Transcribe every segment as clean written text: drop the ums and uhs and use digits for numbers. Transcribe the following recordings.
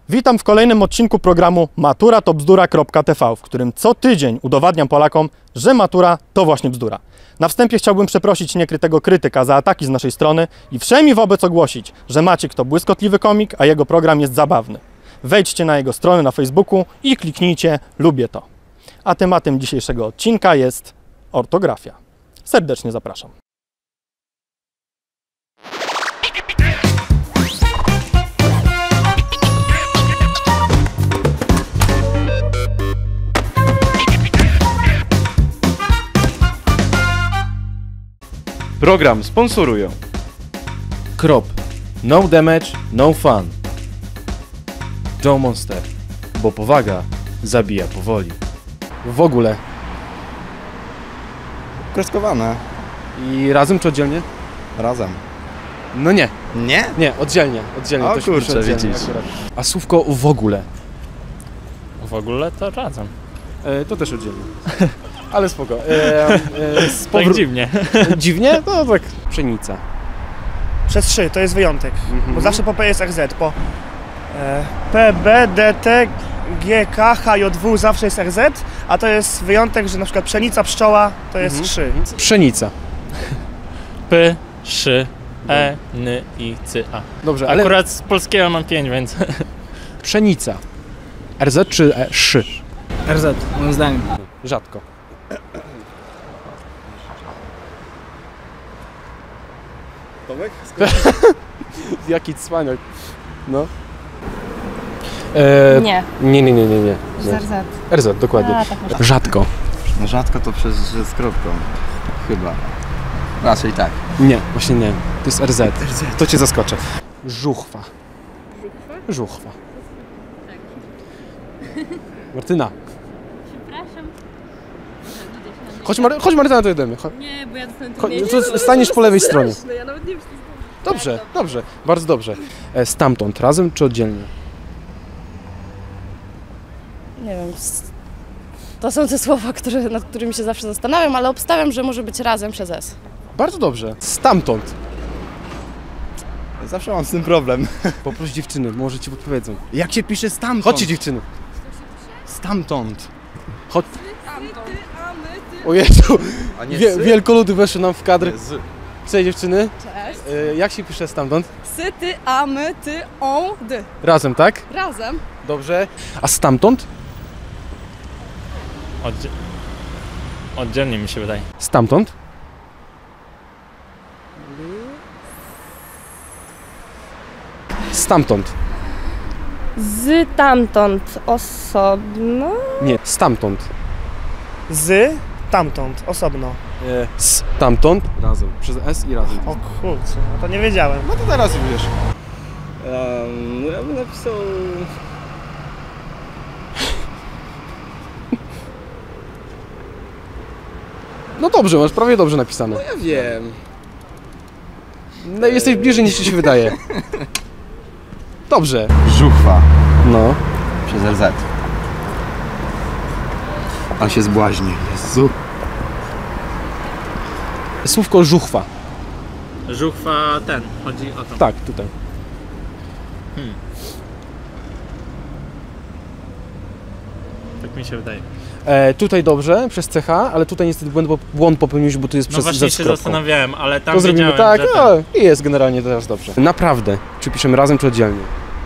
Witam w kolejnym odcinku programu Matura to bzdura.tv, w którym co tydzień udowadniam Polakom, że matura to właśnie bzdura. Na wstępie chciałbym przeprosić niekrytego krytyka za ataki z naszej strony i wszemi wobec ogłosić, że Maciek to błyskotliwy komik, a jego program jest zabawny. Wejdźcie na jego stronę na Facebooku i kliknijcie lubię to. A tematem dzisiejszego odcinka jest ortografia. Serdecznie zapraszam. Program sponsorują Krop, no damage, no fun. Joe Monster, bo powaga zabija powoli. W ogóle. Kreskowane. I razem czy oddzielnie? Razem. No nie. Nie? Nie, oddzielnie. O to się pisze kurczę, oddzielnie widzisz. akurat. A słówko w ogóle. W ogóle to razem. To też oddzielnie. Ale spoko. Tak dziwnie. Dziwnie? No tak. Pszenica. Przez 3 to jest wyjątek, bo zawsze po P jest RZ, po P, B, D, T, G, K, H, J, W zawsze jest RZ, a to jest wyjątek, że na przykład pszenica, pszczoła to jest 3. Pszenica. P, Sz, E, N, I, C, A. Dobrze, ale Akurat z polskiego mam 5, więc... pszenica. RZ czy szy? RZ, moim zdaniem. Rzadko. Tomek? Jaki cwaniak. No. Nie. Nie. Z RZ. RZ, dokładnie. A, tak może. Rzadko. No rzadko to z kropką. Chyba. Raczej tak. Nie, właśnie nie. To jest RZ. To cię zaskoczę. Żuchwa. Żuchwa? Martyna. Przepraszam. Chodź Martyna, to jedziemy. Nie, bo ja dostanę To staniesz po lewej stronie. Ja nawet nie wiem, Dobrze. Bardzo dobrze. Stamtąd, razem czy oddzielnie? Nie wiem. To są te słowa, nad którymi się zawsze zastanawiam, ale obstawiam, że może być razem przez S. Bardzo dobrze. Stamtąd. Zawsze mam z tym problem. Poproś dziewczyny, może ci podpowiedzą. Jak się pisze stamtąd? Chodźcie dziewczyny. Stamtąd. Chodź. O Jezu, A nie wielkoludy weszły nam w kadr. Z. Cześć dziewczyny. Cześć. Jak się pisze stamtąd? Sy, ty, a, my, ty, on, dy. Razem, tak? Razem. Dobrze. A stamtąd? Oddzielnie mi się wydaje. Stamtąd? Stamtąd. Z tamtąd osobno. Nie, stamtąd. Z tamtąd, osobno. Stamtąd. Razem. Przez S i razem. O kurczę, no to nie wiedziałem. No to teraz wiesz. Ja bym napisał... No dobrze, masz prawie dobrze napisane. Ja wiem. No, jesteś bliżej niż ci się wydaje. Dobrze. Żuchwa. No. Przez RZ. On się zbłaźni. Jezu. Słówko żuchwa. Żuchwa chodzi o to. Tak, tutaj. Tak mi się wydaje. Tutaj dobrze, przez CH, ale tutaj niestety błąd popełniłeś, bo tu jest No przez właśnie Z z się kropką. zastanawiałem, ale tam To zrobimy wiedziałem, tak, że i jest generalnie teraz dobrze. Naprawdę. Czy piszemy razem, czy oddzielnie?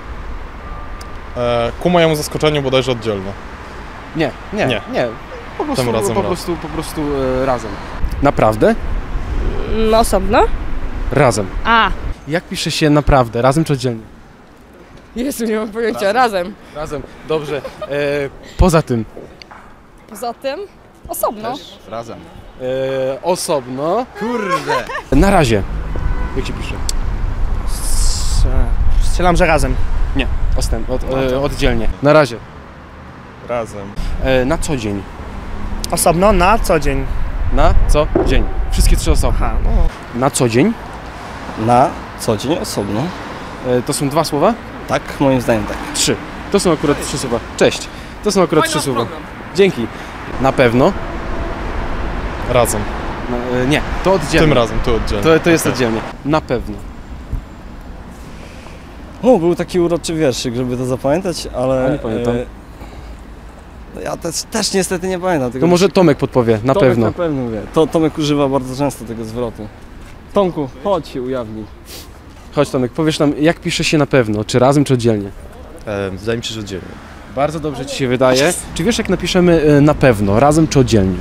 Ku mojemu zaskoczeniu bodajże oddzielnie. Nie. Tym razem Po prostu razem. Naprawdę? No osobno. Razem. A. Jak pisze się naprawdę? Razem czy oddzielnie? Jezu, nie mam pojęcia. Razem. Razem. Dobrze. Poza tym. Poza tym osobno. Razem. Osobno. Kurde. Na razie. Jak się pisze? Strzelam, że razem. Nie. Oddzielnie. Na razie. Razem. Na co dzień. Osobno na co dzień. Na co dzień. Wszystkie trzy osoby. Aha, no. Na co dzień. Na co dzień osobno. To są dwa słowa? Tak, moim zdaniem tak. Trzy. To są akurat trzy słowa. Cześć. To są akurat trzy słowa. Dzięki. Na pewno. Razem. Nie, to oddzielnie. Tym razem, tu oddzielnie. To jest Okej. oddzielnie. Na pewno. O, był taki uroczy wierszyk, żeby to zapamiętać, ale... A nie pamiętam. Ja też niestety nie pamiętam tego. To może Tomek podpowie, na Tomek pewno. na pewno wie. Tomek używa bardzo często tego zwrotu. Tomku, chodź się ujawnij. Chodź Tomek, powiesz nam, jak pisze się na pewno, czy razem, czy oddzielnie? Wydaje mi się, że oddzielnie. Bardzo dobrze ci się wydaje. Czy wiesz, jak napiszemy na pewno, razem, czy oddzielnie?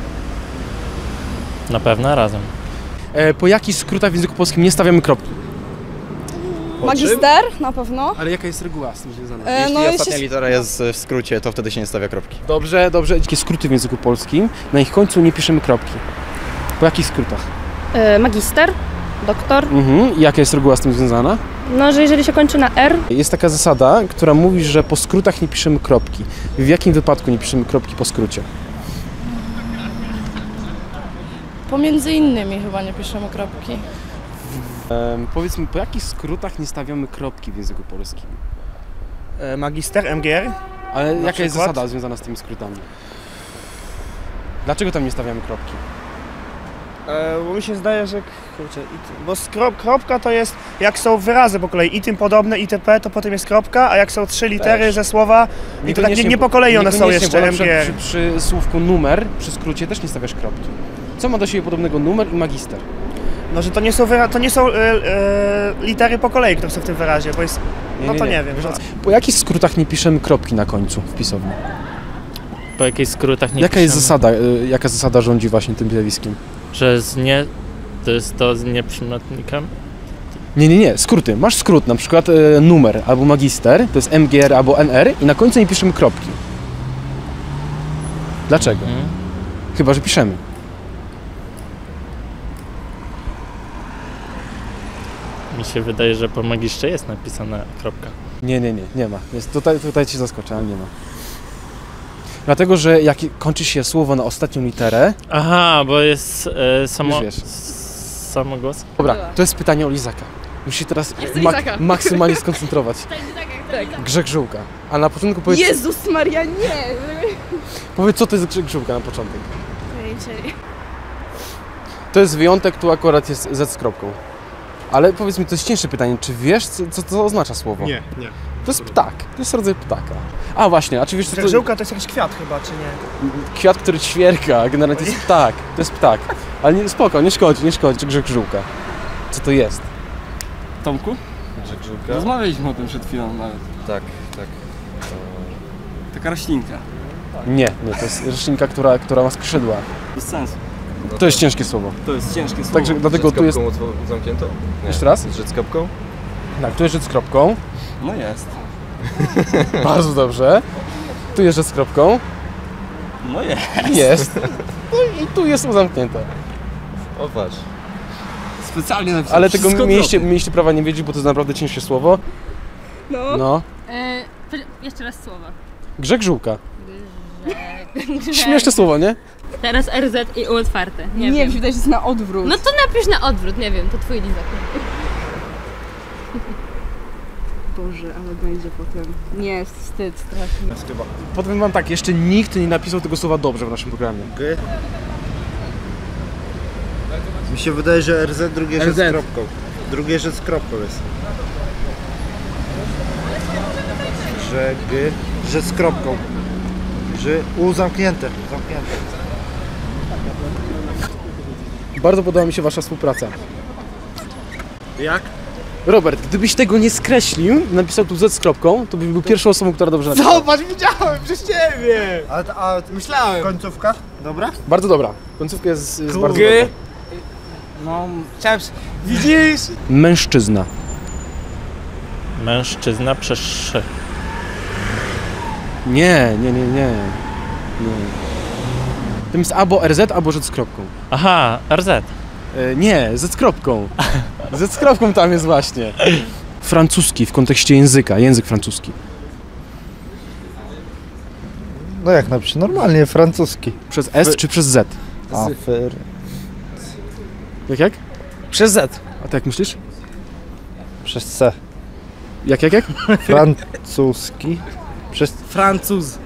Na pewno razem. Po jakich skrótach w języku polskim nie stawiamy kropki? Magister na pewno. Ale jaka jest reguła z tym związana? No Ostatnia litera jest w skrócie, to wtedy się nie stawia kropki. Dobrze, dobrze. Jakie skróty w języku polskim? Na ich końcu nie piszemy kropki. Po jakich skrótach? Magister, doktor. I jaka jest reguła z tym związana? No, że jeżeli się kończy na R, Jest taka zasada, która mówi, że po skrótach nie piszemy kropki. W jakim wypadku nie piszemy kropki po skrócie? Pomiędzy innymi chyba nie piszemy kropki. Powiedzmy, po jakich skrótach nie stawiamy kropki w języku polskim? Magister, MGR. Ale jaka jest przykład? zasada związana z tymi skrótami? Dlaczego tam nie stawiamy kropki? Bo mi się zdaje, że... Kurczę, bo kropka to jest, jak są wyrazy po kolei, i tym podobne, itp., to potem jest kropka, a jak są 3 litery Też. ze słowa, i to tak nie po kolei one są Niekoniecznie, jeszcze, bo na przykład MGR. przy słówku numer, przy skrócie też nie stawiasz kropki. Co ma do siebie podobnego numer i magister? No, że to nie są litery po kolei, które są w tym wyrazie, bo jest... No to nie wiem. Po jakich skrótach nie piszemy kropki na końcu w pisowni? Po jakichś skrótach nie Jaka piszemy. jest zasada, jaka zasada rządzi właśnie tym zjawiskiem? Że to jest to z nieprzymiotnikiem? Nie, skróty. Masz skrót, na przykład numer albo magister, to jest MGR albo NR i na końcu nie piszemy kropki. Dlaczego? Chyba, że piszemy. Mi się wydaje, że po magistrze jest napisana kropka. Nie ma. Jest, tutaj cię zaskoczę, ale nie ma. Dlatego, że jak kończy się słowo na ostatnią literę... Aha, bo jest wiesz. samogłos. Dobra, to jest pytanie o lizaka. Musisz się teraz maksymalnie skoncentrować. Tak. Grzech żółka. A na początku powiedz... Jezus Maria, nie! Powiedz, co to jest grzech żółka na początek. To jest wyjątek, tu akurat jest Z z kropką. Ale powiedz mi, to jest cięższe pytanie, czy wiesz, co to oznacza słowo? Nie. To jest ptak, to jest rodzaj ptaka. A właśnie, a czy wiesz, co to... Żółka to jest jakiś kwiat chyba, czy nie? Kwiat, który ćwierka, generalnie to jest ptak. To jest ptak. Ale nie, spoko, nie szkodzi, grzech żółka. Co to jest? Tomku? Grzech żółka? Rozmawialiśmy o tym przed chwilą nawet. Tak. Taka roślinka. Nie, to jest roślinka, która ma skrzydła. Bez sensu. To jest ciężkie słowo. To jest ciężkie słowo. Także dlatego tu jest... zamknięto? Nie. Jeszcze raz? Rzec z kropką? Tak, tu jest rzecz z kropką. No jest. Bardzo dobrze. Tu jest rzecz z kropką. No jest. Jest. No i tu jest zamknięte. O, patrz. Specjalnie napisałem. Ale tego wszystko mieliście prawa nie wiedzieć, bo to jest naprawdę ciężkie słowo. No. jeszcze raz słowa. Grzech żółka. Śmieszne słowo, nie? Teraz RZ i U otwarte. Nie wiem, wydaje się, że jest na odwrót. No to napisz na odwrót, nie wiem, to twój lizak. Boże, ale będzie potem. Nie, wstyd strasznie. Powiem wam tak, jeszcze nikt nie napisał tego słowa dobrze w naszym programie. Mi się wydaje, że RZ drugie rzecz z kropką. Drugie rzecz z kropką jest. Że z kropką. Że U zamknięte. Bardzo podoba mi się wasza współpraca. Jak? Robert, gdybyś tego nie skreślił, napisał tu Z z kropką, to byś był pierwszą osobą, która dobrze napisała. Zobacz, widziałem przez ciebie! A myślałem. Końcówka? Dobra? Bardzo dobra. Końcówka jest bardzo dobra. No, chciałem... Widzisz? Mężczyzna. Mężczyzna przez szy. Nie. To jest albo RZ, albo Z z kropką. Aha, RZ. Nie, Z z kropką. Z z kropką tam jest właśnie. Francuski w kontekście języka, język francuski. No jak napiszę? Normalnie, francuski. Przez S czy przez Z? Jak? Przez Z. A ty jak myślisz? Przez C. Jak? Francuski. Przez Francuz.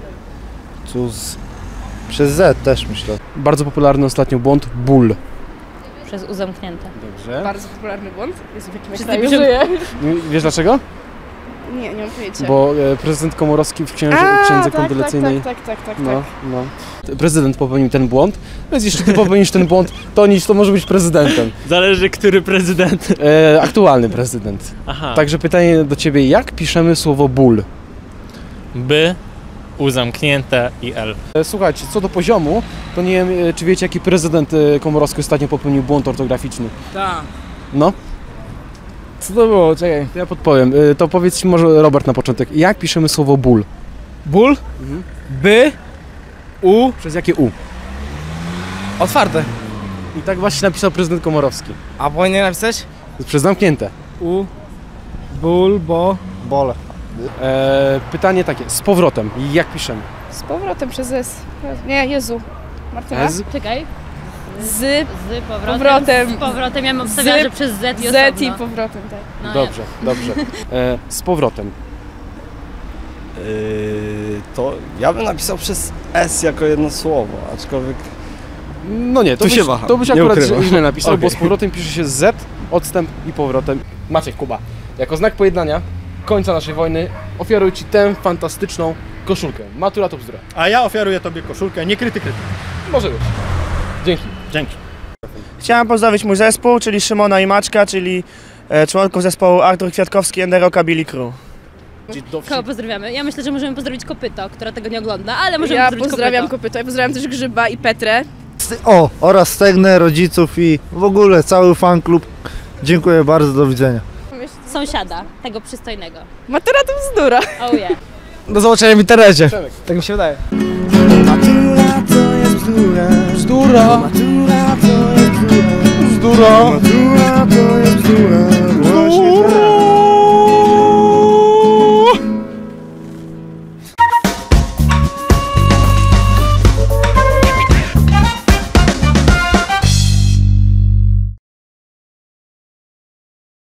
Przez Z też myślę. Bardzo popularny ostatnio błąd, ból. Przez U zamknięte. Dobrze. Bardzo popularny błąd. Jest w jakim Wszyscy kraju piszą- żyje. Wiesz dlaczego? Nie mam pojęcia. Bo prezydent Komorowski w księdze kondolencyjnej... Tak. No. Prezydent popełnił ten błąd, więc jeśli ty popełnisz ten błąd, to może być prezydentem. Zależy, który prezydent. Aktualny prezydent. Aha. Także pytanie do ciebie, jak piszemy słowo ból? By, U zamknięte i L. Słuchajcie, co do poziomu, to nie wiem, czy wiecie, jaki prezydent Komorowski ostatnio popełnił błąd ortograficzny. Tak. No? Co to było? Czekaj. To ja podpowiem. To powiedz może Robert na początek, jak piszemy słowo ból? Ból? By? U? Przez jakie U? Otwarte. I tak właśnie napisał prezydent Komorowski. A powinien napisać? Przez zamknięte. U. Ból, bo... Bole. Pytanie takie, z powrotem, jak piszemy? Z powrotem przez S. Nie, Jezu. Martyna? Z? Czekaj. Z Powrotem. Z powrotem. Ja bym obstawiała, że przez Z i osobno. Z i powrotem, tak. No, Dobrze. Z powrotem. To ja bym napisał przez S jako jedno słowo, aczkolwiek... No nie, Tu się waham, to byś nie akurat ukrywam. źle napisał, Okej. bo z powrotem pisze się Z, odstęp i powrotem. Maciek Kuba, jako znak pojednania końca naszej wojny ofiaruję ci tę fantastyczną koszulkę. Matura to bzdura. A ja ofiaruję tobie koszulkę, nie kryty. Może być. Dzięki. Dzięki. Chciałem pozdrowić mój zespół, czyli Szymona i Maćka, czyli członków zespołu Artur Kwiatkowski and the Rockabilly Crew. Kogo pozdrawiamy? Ja myślę, że możemy pozdrowić Kopyto, która tego nie ogląda, ale możemy Ja pozdrowić pozdrawiam Kopyto. Ja pozdrawiam też Grzyba i Petrę. O, oraz Stegnę, rodziców i w ogóle cały fan klub. Dziękuję bardzo, do widzenia. Sąsiada, tego przystojnego. Matura to bzdura. Oh yeah. Do zobaczenia w internecie. Tak mi się wydaje. Matura to jest bzdura. Bzdura. Matura to jest bzdura. Bzdura. Matura to jest bzdura. Właśnie tak.